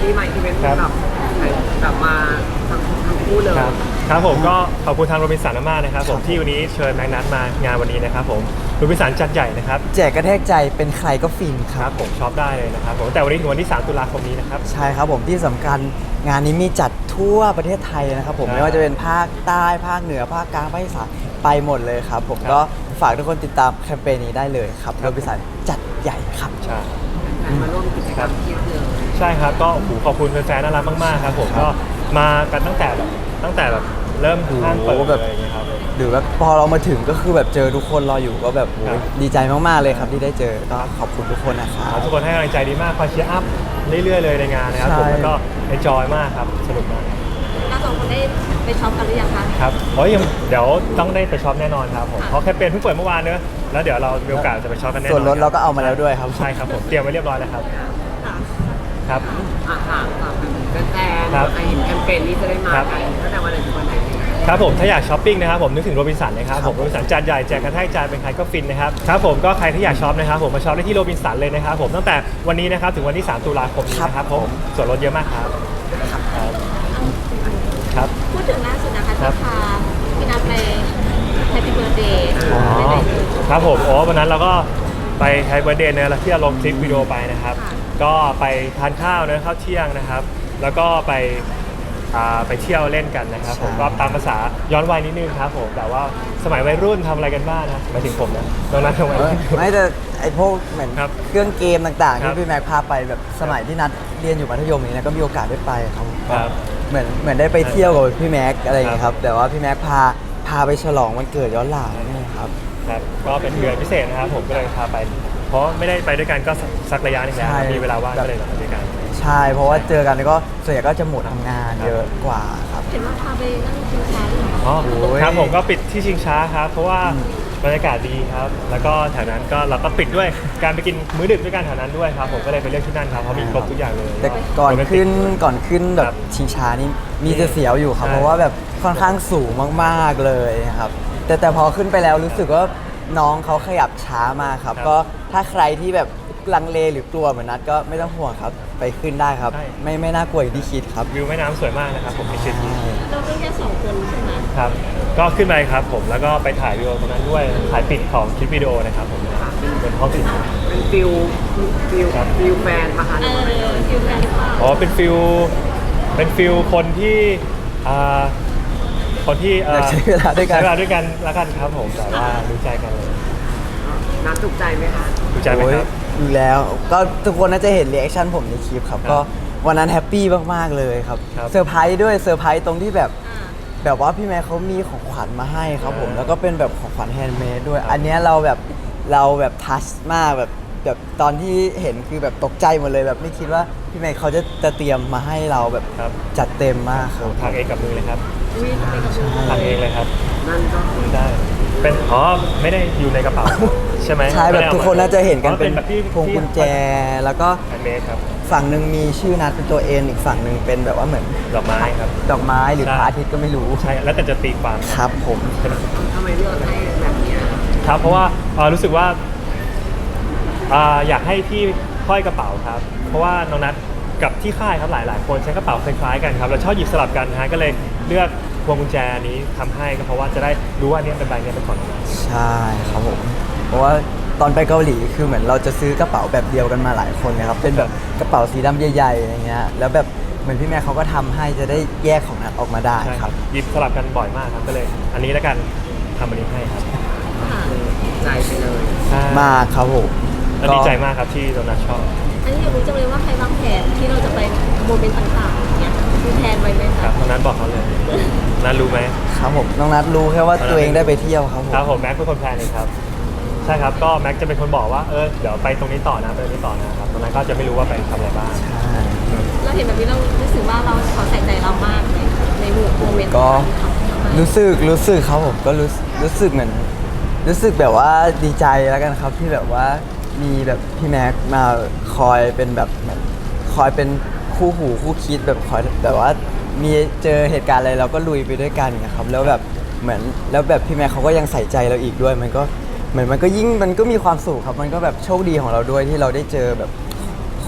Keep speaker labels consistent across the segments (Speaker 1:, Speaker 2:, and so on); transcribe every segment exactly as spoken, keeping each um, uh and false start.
Speaker 1: วันนี้มาอีเวนต์แบบแบบมาทั้งทั้งคู่เลย
Speaker 2: ครับครับผมก็ขอบคุณทางโรบินสันมากๆนะครับผมที่วันนี้เชิญแม็กนัทมางานวันนี้นะครับผมโรบินสันจัดใหญ่นะครับ
Speaker 3: แจกกระแทกใจเป็นใครก็ฟินค
Speaker 2: ครับ รับผมช็อปได้เลยนะครับผมแต่วันนี้ถึงวันที่สามตุลาคมนี้นะครับ
Speaker 3: ใช่ครับผมที่สำคัญงานนี้มีจัดทั่วประเทศไทยนะครับผม
Speaker 2: ครับ
Speaker 3: ไม่ว่าจะเป็นภาคใต้ภาคเหนือภาคกลางภาคอีสานไปหมดเลยครับผม
Speaker 2: ครับ
Speaker 3: ก็ฝากทุกคนติดตามแคมเปญนี้ได้เลยครับ
Speaker 2: ครั
Speaker 3: โร
Speaker 2: บ
Speaker 3: บินสันจัดใหญ่ครับ
Speaker 2: ใช่
Speaker 1: มาร่วมกิจกรรมเที่ยวเลย
Speaker 2: ใช่ครับก็โอ้โหขอบคุณแฟนๆน่ารักมากๆครับผมก็มากันตั้งแต่แบบตั้งแต่แบบเริ่มห้างเปิด
Speaker 3: โอ้โห
Speaker 2: เล
Speaker 3: แบบ
Speaker 2: ยอย่างเงี้ยครับ
Speaker 3: หรือว่าพอเรามาถึงก็คือแบบเจอทุกคนรออยู่ก็แบบโอ้
Speaker 2: ครับ
Speaker 3: ดีใจมากๆเลยครับที่ได้เจอก็ขอบคุณทุกคนนะครับ
Speaker 2: ทุกคนให้กำลังใจดีมากคอยเชียร์อัพเรื่อยๆเลยในงานนะครับ
Speaker 3: ใช่
Speaker 2: ผมแล้วก็เอนจอยมากครับสนุกมาก
Speaker 4: เราสองคนได้ไปช็อปกันหรือยังคะ
Speaker 2: ครับโอ้ยยังเดี๋ยวต้องได้ไปช็อปแน่นอนครับผม
Speaker 4: ค่ะ
Speaker 2: เพราะแคมเปญเพิ่งเปิดเมื่อวานเนอะแล้วเดี๋ยวเรามีโอกาสจะไปช็อปกันแน่นอน
Speaker 3: ส่วนลดเราก็เอามาแล้วด้วยครับ
Speaker 2: ใช่ครับผมเตรียมไว้เรียบร้อยแล้วครับ
Speaker 4: ค่ะ
Speaker 2: ครับ
Speaker 1: อ่าค่ะฝากเป็นแฟนๆ
Speaker 2: ครับ
Speaker 1: ใครเห็นแคมเปญนี้จะได้มากันตั้งแต่วันไหนถึงวันไหนดี
Speaker 2: ครับผมถ้าอยากช้อปปิ้งนะครับผมนึกถึงโรบินสันนะครับ
Speaker 3: ครับ
Speaker 2: ผมโรบินสันจานใหญ่แจกกระแทกจานเป็นใครก็ฟินนะครับครับผมก็ใครที่อยากช็อปนะครับผมมาช็อปได้ที่โรบินสันเลยนะครับผมตั้งแต่วันนี้นะครับถึงวันที่สามตุลาคมนี้นะครับผมส่วนลดเยอะมากครับครับครับ
Speaker 4: พูดถึงล่าสุดนะคะ
Speaker 2: ครั
Speaker 4: ที่
Speaker 2: บ
Speaker 4: พาพี่นัทไปแฮปปี้เบิร์ดเดย์
Speaker 2: อ๋อ
Speaker 4: ไปไหนเอ่ย
Speaker 2: ครับผมโอ้วันนั้นเราก็ไปไฮเบอร์เดย์เนี่ยแล้วที่เราลงคลิปวิดีโอไปนะครับ
Speaker 4: ค่ะ
Speaker 2: ก็ไปทานข้าวนะข้าวเที่ยงนะครับ แล้วก็ไปอ่าไปเที่ยวเล่นกันนะครับผม
Speaker 3: ใช่
Speaker 2: ก็ตามภาษาย้อนวัยนิดนึงครับผมแต่ว่าสมัยวัยรุ่นทำอะไรกันบ้างนะหมายถึงผมนะตอนนั้นทำไม
Speaker 3: เออไม่แต่ไอพวกเหมือน
Speaker 2: ครับ
Speaker 3: เครื่องเกมต่างๆ
Speaker 2: ครั
Speaker 3: ที่
Speaker 2: บ
Speaker 3: พี่แม็กพาไปแบบสมัยที่นัดเรียนอยู่มัธยมนี้นะก็มีโอกาสได้ไปครับ
Speaker 2: ครับ
Speaker 3: เหมือนเหมือนได้ไปเที่ยวกับพี่แม็กอะไรอย่างเงี้ย
Speaker 2: ค
Speaker 3: ค
Speaker 2: รั
Speaker 3: รับ บแต่ว่าพี่แม็กพาพาไปฉลองวันเกิดย้อนหลังนี่ครับ
Speaker 2: ครับก็เป็นเดือนพิเศษนะครับผมก็เลยพาไป เพราะไม่ได้ไปด้วยกันก็สักสักระยะหนึงแล้ว
Speaker 3: ใช่
Speaker 2: มีเวลาว่างก็เลยไปด้วยกัน
Speaker 3: ใช่เพราะว่าเจอกันก็ส่วนใหญ่ก็จะหมดทำงานเยอะกว่าครับ
Speaker 4: เห็นว่าพาไปนั่งชิงช้าด้วยเหรอ
Speaker 2: อ๋อ
Speaker 3: โอ้ย
Speaker 2: ครับผมก็ปิดที่ชิงช้าครับ เพราะว่าบรรยากาศดีครับ แล้วก็แถวนั้นก็เราก็ปิดด้วยการไปกินมื้อดึกด้วยกันแถวนั้นด้วยครับผมก็เลยไปเลือกที่นั่นครับเพราะมีครบทุกอย่างเลย
Speaker 3: แต่ก่อนขึ้นก่อนขึ้นแบ
Speaker 2: ครับ บ
Speaker 3: ชิงช้านี่มีจะเสียวอยู่ครับ
Speaker 2: ใช่
Speaker 3: เพราะว่าแบบค่อนข้างสูงมากๆเลยครับ แต่แต่พอขึ้นไปแล้วรู้สึกว่าน้องเขาขยับช้ามากครับ
Speaker 2: ครับ
Speaker 3: ก็ถ้าใครที่แบบลังเลหรือกลัวเหมือนนัดก็ไม่ต้องห่วงครับ ไปขึ้นได้ครับ
Speaker 2: ใช่
Speaker 3: ไม่ไม่น่ากลัวอย่างที่คิดครับ
Speaker 2: วิวแม่น้ำสวยมากนะครับผมในคลิปนี้
Speaker 4: เราขึ้นแค่สองคนใช่ไหม
Speaker 2: ครับ ก็ขึ้นไปครับผมแล้วก็ไปถ่ายวิดีโอตรงนั้นด้วยถ่ายปิดของคลิปวิดีโอนะครับผมเป็นห้องปิด
Speaker 1: เป็นฟิลฟิลฟิลแฟนปะคะห
Speaker 4: เอ
Speaker 1: รือว่าอะไร
Speaker 4: อคิวแฟนหรือเปล่า
Speaker 2: อ๋อเป็นฟิลเป็นฟิลคนที่อ่าคนที่อ่
Speaker 3: อยากใช้เวลาด้วยกัน
Speaker 2: ใช้เวลาด้วยกันแล้วกันครับผมแต่ว่ารู้ใจกันเลย
Speaker 1: นัดถูกใจไหมคะ
Speaker 2: รู้ใจไหมครับ
Speaker 3: โอ้ยอยู่แล้วก็ทุกคนน่าจะเห็นรีแอคชั่นผมในคลิปครับ
Speaker 2: ครับ
Speaker 3: ก็วันนั้นแฮปปี้มากๆเลยครับ
Speaker 2: ครับ
Speaker 3: เซอร์ไพรส์ด้วยเซอร์ไพรส์ตรงที่แบบ
Speaker 4: อ่า
Speaker 3: แบบว่าพี่แม่เขามีของขวัญมาให้ครับผม
Speaker 2: อ่า
Speaker 3: แล้วก็เป็นแบบของขวัญแฮนด์เมดด้วย
Speaker 2: ครับ
Speaker 3: อันเนี้ยเราแบบเราแบบทัชมากแบบแบบตอนที่เห็นคือแบบตกใจหมดเลยแบบไม่คิดว่าพี่แม่เขาจะจะเตรียมมาให้เราแบบ
Speaker 2: ครับ
Speaker 3: จัดเต็มมากครับ
Speaker 2: ทางเองกับมือเลยครับ
Speaker 4: อุ้ยไปกับมือ
Speaker 2: ทางเองเลยครับ
Speaker 1: นั่นก็คือ
Speaker 2: ได้เป็นอ๋อไม่ได้อยู่ในกระเป๋าครับใช่ไหม
Speaker 3: ใช่แบบทุกคนน่าจะเห็นกัน
Speaker 2: อ๋อ
Speaker 3: เป็น
Speaker 2: แบบที่
Speaker 3: พวงกุญแจ แล้วก็
Speaker 2: แฮนด์เมดครับ
Speaker 3: ฝั่งหนึ่งมีชื่อนัดเป็นตัวเอ็นอีกฝั่งหนึ่งเป็นแบบว่าเหมือน
Speaker 2: ดอกไม้ครับ
Speaker 3: ดอกไม้หรือ
Speaker 2: ใช่
Speaker 3: พระอาทิตย์ก็ไม่รู้
Speaker 2: ใช่แล้วแต่จะตีความ
Speaker 3: ครับผม
Speaker 2: เป็น
Speaker 1: ทำไมเลือกให้แบบเนี้ย
Speaker 2: ครับเพราะว่าเอ่อรู้สึกว่าอ่าอยากให้พี่ห้อยกระเป๋าครับ เพราะว่าน้องนัทกับที่ค่ายครับหลาย ๆ คนใช้กระเป๋าคล้ายๆกันครับเราชอบหยิบสลับกันนะฮะก็เลยเลือกพวงกุญแจนี้ทำให้ก็เพราะว่าจะได้รู้ว่าอันนี้เป็นใบนี้เป็นของน้องนัท
Speaker 3: ใช่ครับผม เพราะว่าตอนไปเกาหลีคือเหมือนเราจะซื้อกระเป๋าแบบเดียวกันมาหลายคนนะครับ เป็นแบบกระเป๋าสีดำใหญ่ๆอย่างเงี้ย แล้วแบบเหมือนพี่แม่เขาก็ทำให้จะได้แยกของนัดออกมาได้
Speaker 2: ใช่
Speaker 3: ครับ
Speaker 2: หยิบสลับกันบ่อยมากครับก็เลย อันนี้แล้วกันทำอันนี้ให้ครับ
Speaker 4: ค่ะ
Speaker 1: ใจไปเลย
Speaker 2: ใช่
Speaker 3: มากครับผม
Speaker 2: แล้วดีใจมากครับที่น้องนัทชอบ
Speaker 4: อันนี้อยากรู้จังเลยว่าใครวางแผนที่เราจะไปโมเมนต์ต่างๆอย่างเงี้ยมีแผนไว้ไหม
Speaker 2: ค
Speaker 4: คะ
Speaker 2: รับน้องนัทบอกเขาเลยนัทรู้ไหม
Speaker 3: ครับผมน้องนัดรู้แค่ว่าตัวเองได้ไปเที่ยวครับผม
Speaker 2: ครับผมแม็กเป็นคนแพลนเองครับใช่ครับก็แม็กจะเป็นคนบอกว่าเออเดี๋ยวไปตรงนี้ต่อนะไปตรงนี้ต่อนะครับตรงนั้นก็จะไม่รู้ว่าไปทำอะไรบ้าง
Speaker 3: ใช่
Speaker 4: เราเห็นแบบนี้เรารู้สึกว่าเราเขาใส่ใจเรามากในในหมู่โมเมนต์
Speaker 3: ก็
Speaker 4: ที่เขาทำให้
Speaker 3: รู้สึกรู้สึกครับผมก็รู้รู้สึกเหมือน รู้สึกแบบว่าดีใจแล้วกันครับที่แบบว่ามีแบบพี่แม็กมาคอยเป็นแบบแบบคอยเป็นคู่หูคู่คิดแบบคอยแบบว่ามีเจอเหตุการณ์อะไรเราก็ลุยไปด้วยกันนะครับแล้วแบบเหมือนแล้วแบบพี่แม็กเขาก็ยังใส่ใจเราอีกด้วย มันก็เหมือนมันก็ยิ่งมันก็มีความสุขครับมันก็แบบโชคดีของเราด้วยที่เราได้เจอแบบค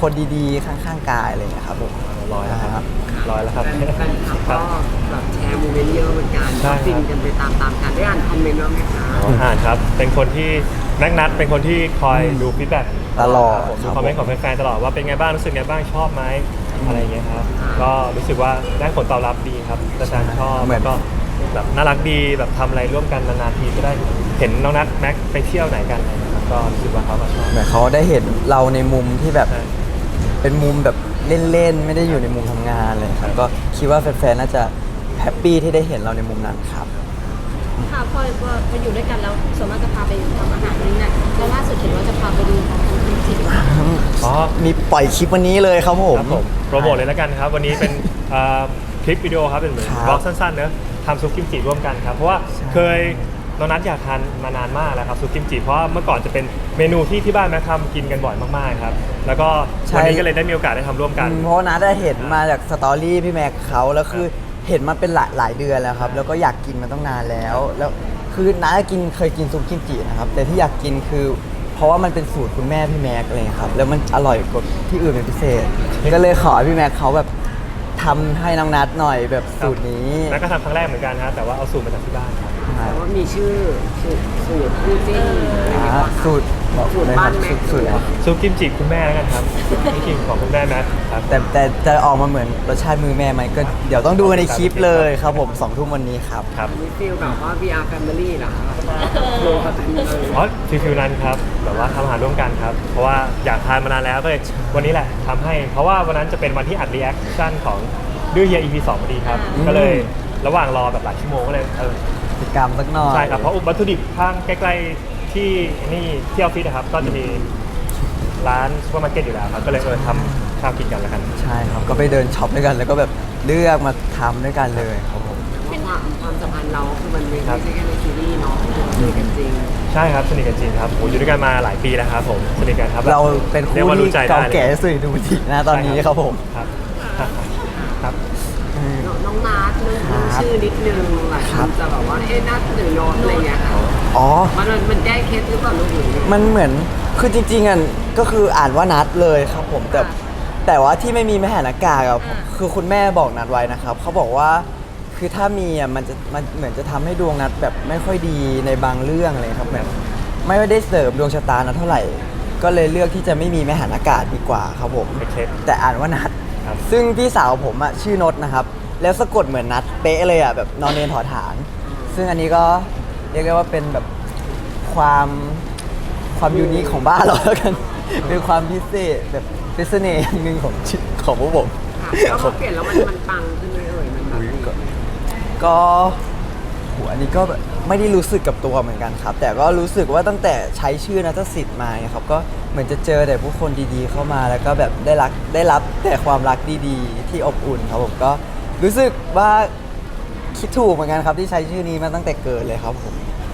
Speaker 3: คนดีๆข้างๆกายอะไรอย่างเงี้ยครับผม
Speaker 2: ร้อยแล้วครับร้อยแล้วครับ
Speaker 1: แฟนแฟนคลับก็แบบแชร์โมเมนต์เยอะเหมือนกัน
Speaker 2: ใช่ครับ
Speaker 1: ฟินกันไปตามๆกันได้อ่านคอมเมนต์บ้างไหมคะ
Speaker 2: อ๋ออ่านครับ เป็นคนที่นักนัดเป็นคนที่คอยดูฟีดแบ็ก
Speaker 3: ตลอด
Speaker 2: ผม
Speaker 3: ค
Speaker 2: ดู
Speaker 3: รับ
Speaker 2: คอมเมนต์ของแฟนๆตลอดว่าเป็นไงบ้างรู้สึกไงบ้างชอบไหมอะไรอย่างเงี้ยครับก็รู้สึกว่าได้ผลตอบรับดีครับแฟนๆชอบ
Speaker 3: เหมือน
Speaker 2: แล้วก็แบบน่ารักดีแบบทำอะไรร่วมกันนานๆทีก็ได้เห็นน้องนัดแม็กไปเที่ยวไหนกันอะไรนะครับก็รู้สึกว่าเขาก็ชอบ
Speaker 3: เหมือนเขาได้เห็นเราในมุมที่แบบ
Speaker 2: ใช่
Speaker 3: เป็นมุมแบบเล่นๆไม่ได้อยู่ในมุมทำงานเลยครับก็คิดว่าแฟนๆน่าจะแฮปปี้ที่ได้เห็นเราในมุมนั้นครับ
Speaker 4: ค่ะพอมาอยู่ด้วยกันแล้วส่วนมากจะพาไปทำอาหารนี่นะแล้วล่าสุดเห็นว่าจะพาไปดูของทำจริงๆ
Speaker 2: อ๋อ
Speaker 3: มีปล่อยคลิปวันนี้เลยครับผม
Speaker 2: ครับผมโปรโมทเลยแล้วกันครับ วันนี้เป็นเอ่อคลิปวิดีโอครับเป็นเหมือน
Speaker 3: ครับ
Speaker 2: บล็อกสั้นๆเนอะทำซุปกิมจิร่วมกันครับ เพราะว่า
Speaker 3: ใช่
Speaker 2: เคยน้องนัทอยากทานมานานมากแล้วครับซุปกิมจิเพราะว่าเมื่อก่อนจะเป็นเมนูที่ที่บ้านแม่ทำกินกันบ่อยมากๆครับแล้วก็วันนี้ก็เลยได้มีโอกาสได้ทำร่วมกัน
Speaker 3: อืมเพราะว่านัดได้เห็นมาจากสตอรี่พี่แม็กเขาแล้วคือเห็นมาเป็นหลายหลายเดือนแล้วครับ แล้วก็อยากกินมาต้องนานแล้ว แล้วคือนัดกินเคยกินซุปกิมจินะครับ แต่ที่อยากกินคือ เพราะว่ามันเป็นสูตรคุณแม่พี่แม็กอะไรอย่างเลยครับ แล้วมันอร่อยกว่าที่อื่นเป็นพิเศษ ก็เลยขอให้พี่แม็กเขาแบบทำให้น้องนัดหน่อยแบบสูตรนี้
Speaker 2: แล้วก็ทำครั้งแรกเหมือนกันฮะแต่ว่าเอาสูตรมาจากที่บ้านครับ
Speaker 1: แต่ว่ามีชื่อสูตรสูตรคู่จิ้นอะไรอย่างเงี้ย
Speaker 3: อ่า
Speaker 1: ป่ะคะ
Speaker 3: สูตรบอก
Speaker 1: สูตร
Speaker 3: เลยค
Speaker 1: บ้า
Speaker 3: รั
Speaker 1: น
Speaker 3: บ
Speaker 1: แม็
Speaker 3: สู
Speaker 1: ก
Speaker 3: ตรสูตรอะไร
Speaker 2: ซุปกิมจิคุณแม่แล้วกันครับนี่กินของคุณแม่แม็กครับ
Speaker 3: แต่แต่จะออกมาเหมือนรสชาติมือแม่ไหมก็เดี๋ยวต้องดูกันในคลิปเลยครับผมสองทุ่มวันนี้ครับ
Speaker 2: ครับ
Speaker 1: มีฟิลแบบว่า วี อาร์ Family เหรอคะโลกกันเลย
Speaker 2: อ๋อฟิลฟิลนั้นครับแบบว่าทำอาหารร่วมกันครับ เพราะว่าอยากทานมานานแล้วก็เลยวันนี้แหละทำให้ เพราะว่าวันนั้นจะเป็นวันที่อัดรีแอคชั่นของดื้อเฮีย อี พี สองพอดีครับ
Speaker 3: อืม
Speaker 2: ก็เลยระหว่างรอแบบหลายชั่วโมงก็เลยเออ
Speaker 3: กิจกรรมสักหน่อย
Speaker 2: ใช่ครับ เพราะวัตถุดิบข้างใกล้ๆที่นี่ที่ออฟฟิศนะครับ ก็จะมีร้านซูเปอร์มาร์เก็ตอยู่แล้วครับ ก็เลยเออทำข้าวกินกันแล้วกัน
Speaker 3: ใช่ครับ ก็ไปเดินช็อปด้วยกันแล้วก็แบบเลือกมาทำด้วยกันเลยครับผม
Speaker 1: ความความสัมพันธ์เราคือมันไม่
Speaker 2: ครับ
Speaker 1: ใช่แค่ในซีรีส์เนาะคุยกันจริง
Speaker 2: ใช่ครับสนิทกันจริงครับโอ้อยู่ด้วยกันมาหลายปีแล้วครับผมสนิทกันครับ
Speaker 3: เราเป็น
Speaker 2: รีย
Speaker 3: คู่
Speaker 2: ว่า
Speaker 3: ที่
Speaker 2: รู้ใจได้
Speaker 3: เก่า
Speaker 2: ลย
Speaker 3: แก่สุดดูทีนะตอนนี้ครับผม
Speaker 2: ครับครับ
Speaker 3: อืม
Speaker 1: น้องนัทเรื่อง
Speaker 3: ครับ
Speaker 1: ชื่อนิดนึงหลายคนจะแบบว่าเอ๊ะนัทหรือโนตอะไรเงี้ยค่ะ
Speaker 3: อ๋อ
Speaker 1: มันมันแก้เคสหรือเปล่าลูกหรือ
Speaker 3: มันเหมือนคือจริงๆอ่ะก็คืออ่านว่านัดเลยครับผมแต่แต่ว่าที่ไม่มีไม่หันอากาศอ่ะคือคุณแม่บอกนัดไว้นะครับเขาบอกว่าคือถ้ามีอ่ะมันจะมันเหมือนจะทำให้ดวงนัดแบบไม่ค่อยดีในบางเรื่องเลยครับแบบไม่ได้เสริมดวงชะตานัดเท่าไหร่ ก็เลยเลือกที่จะไม่มีไม่หันอากาศดีกว่าครับผม
Speaker 2: เป็นเคส
Speaker 3: แต่อ่านว่านัด
Speaker 2: ครับ
Speaker 3: ซึ่งพี่สาวผมอ่ะชื่อนดนะครับ แล้วสะกดเหมือนนัดเป๊ะเลยอ่ะแบบนอนเนนถอฐาน ซึ่งอันนี้ก็เรียกได้ว่าเป็นแบบความความยูนิคของบ้านเราแล้วกัน เป็นความพิเศษแบบเป็นเสน่ห์อย่างหนึ่งของชีวิตของพวกผม
Speaker 1: ค่ะแล้วพอเปลี่ยนแล้วมันมันปังขึ้นเลยเอ่ยมันแบบนี้
Speaker 3: ก็โหอันนี้ก็ไม่ได้รู้สึกกับตัวเหมือนกันครับ แต่ก็รู้สึกว่าตั้งแต่ใช้ชื่อนัทสิทธิ์มาเนี่ยครับก็เหมือนจะเจอแต่ผู้คนดีๆเข้ามาแล้วก็แบบได้รักได้รับแต่ความรักดีๆ ที่อบอุ่นครับผมก็รู้สึกว่าคิดถูกเหมือนกันครับที่ใช้ชื่อนี้มาตั้งแต่เกิดเลยครับผม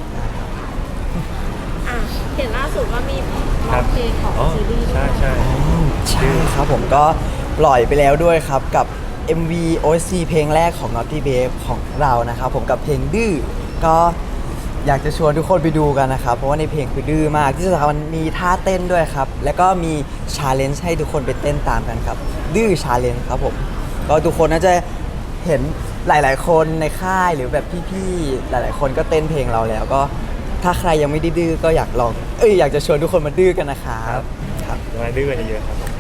Speaker 4: อ่ะเห็นล่าสุดว่ามี
Speaker 2: ค
Speaker 4: ร้
Speaker 2: รั
Speaker 4: อบ งเพลงของ
Speaker 2: อ๋อ
Speaker 4: ซีรีส์
Speaker 2: ใช่ใช่
Speaker 3: ใช่ครับผมก็ปล่อยไปแล้วด้วยครับกับ เอ็ม วี โอ เอส ซี เพลงแรกของ Naughty Babe ของเรานะครับผมกับเพลงดื้อก็อยากจะชวนทุกคนไปดูกันนะครับ เพราะว่าในเพลงคือดื้อมากที่สำคัญมันมีท่าเต้นด้วยครับ แล้วก็มีชาเลนจ์ให้ทุกคนไปเต้นตามกันครับ ดื้อชาเลนจ์ครับผมก็ทุกคนน่าจะเห็นหลาย ๆ คนในค่ายหรือแบบพี่ๆหลาย ๆ คนก็เต้นเพลงเราแล้วก็ถ้าใครยังไม่ได้ดื้อก็อยากลองเอ้ยอยากจะชวนทุกคนมาดื้อกันนะครับครับ
Speaker 2: ยังไงดื้อกันเยอะๆครับผม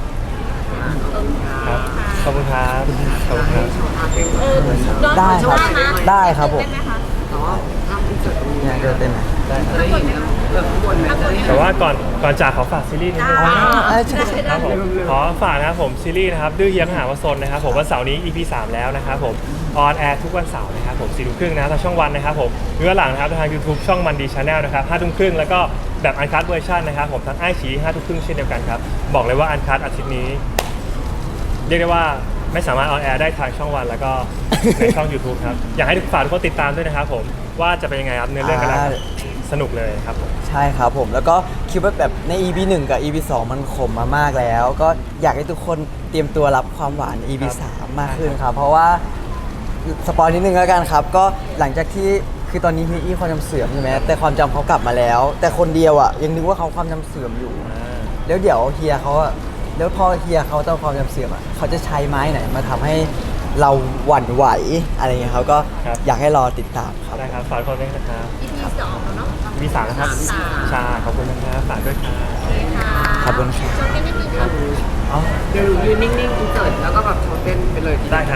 Speaker 1: ขอบคุณค่ะ
Speaker 2: ครับขอบคุณครับขอบคุณครับ
Speaker 4: เออน้อง
Speaker 3: ได้
Speaker 4: ขอโช
Speaker 3: ครับ
Speaker 4: ว์นะ
Speaker 3: ได้ครับผม
Speaker 4: เต้นไหมคะ
Speaker 1: แต่ว่าถ้าอินเสิร์ตตรงนี้
Speaker 3: เนี่ยเดินเต้นไหม
Speaker 2: ได้ครับ
Speaker 1: ได้เห็นแบบข้างบนไหมจะได้เห็น
Speaker 2: แต่ว่าก่อนก่อนจากขอฝากซีรีส์นิดนึง
Speaker 4: ได้
Speaker 2: นะครับ
Speaker 3: อ่าใช่
Speaker 4: ได้
Speaker 2: ค
Speaker 4: ได้
Speaker 2: รับผมขอฝากนะครับผมซีรีส์นะครับดื้อเยียงหาวสนนะครับผมวันเสาร์นี้ อี พี สามแล้วนะครับผมออนแอร์ทุกวันเสาร์นะครับผมสี่ทุ่มครึ่งนะทางช่องวันนะครับผมเนื้อหลังนะครับทาง YouTube ช่องมันดีชาแนลนะครับห้าทุ่มครึ่งแล้วก็แบบอันคัตเวอร์ชันนะครับผมทางไอชีห้าทุ่มครึ่งเช่นเดียวกันครับบอกเลยว่าอันคัตอาทิตย์นี้ เรียกได้ว่าไม่สามารถออนแอร์ได้ทางช่องวันแล้วก็ ในช่อง YouTube ครับอยากให้ทุกฝ่ายทุกคนติดตามด้วยนะครับผมว่าจะเป็นยังไงครับเนื้อเรื่องกันแล้วสนุกเลยครับผม
Speaker 3: ใช่ครับผมแล้วก็คิดว่าแบบใน อี พี หนึ่งกับ อี พี สองมันขมมามากแล้ว ก็อยากให้ทุกคนเตรียมตัวรับความหวาน อี พี สามมากขึ้นครับ เพราะว่าสปอยนิดนึงแล้วกันครับ ก็หลังจากที่คือตอนนี้ฮีอี้ความจำเสื่อมใช่ไหมแต่ความจำเขากลับมาแล้ว แต่คนเดียวอ่ะยังนึกว่าเขาความจำเสื่อมอยู่ แล้วเดี๋ยวเฮียเขาอะแล้วพอเฮียเขาต้องความจำเสื่อมอ่ะเขาจะใช้ไม้ไหนมาทำให้เราหวั่นไหวอะไรเงี้ยเขาก็
Speaker 2: ครับ
Speaker 3: อยากให้รอติดตามครับ
Speaker 2: ได้ครับฝากคนด้วยนะครับ
Speaker 4: อีพีจะออกแล้วเนาะ
Speaker 2: มีสามนะครับ
Speaker 4: สาม
Speaker 2: ใช่ขอบคุณนะครับฝากด้วยครับ
Speaker 4: โอเคค่ะ
Speaker 3: ขอบคุณครับ
Speaker 4: จบกันนิดนึงค่ะ
Speaker 2: อ๋อ
Speaker 1: เดี๋ยวยืนนิ่งๆอินเสิร์ตแล้วก็แบบโชว์เต้นไปเลย
Speaker 2: ได้ครับ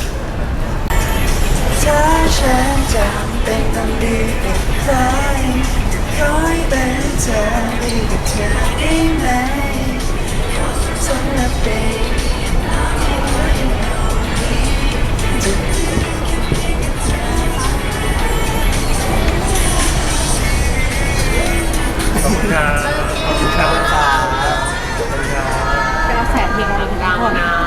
Speaker 5: ถ้าฉันจำเป็นต้องดีกับใครขอให้เป็นเธอดีกับเธอได้ไหมสำหรับเด็ก
Speaker 2: ขอบคุณครับขอบคุณครับขอบคุณครับ
Speaker 4: กระแสเพลงเราอีกแล้ว
Speaker 1: ดังนะ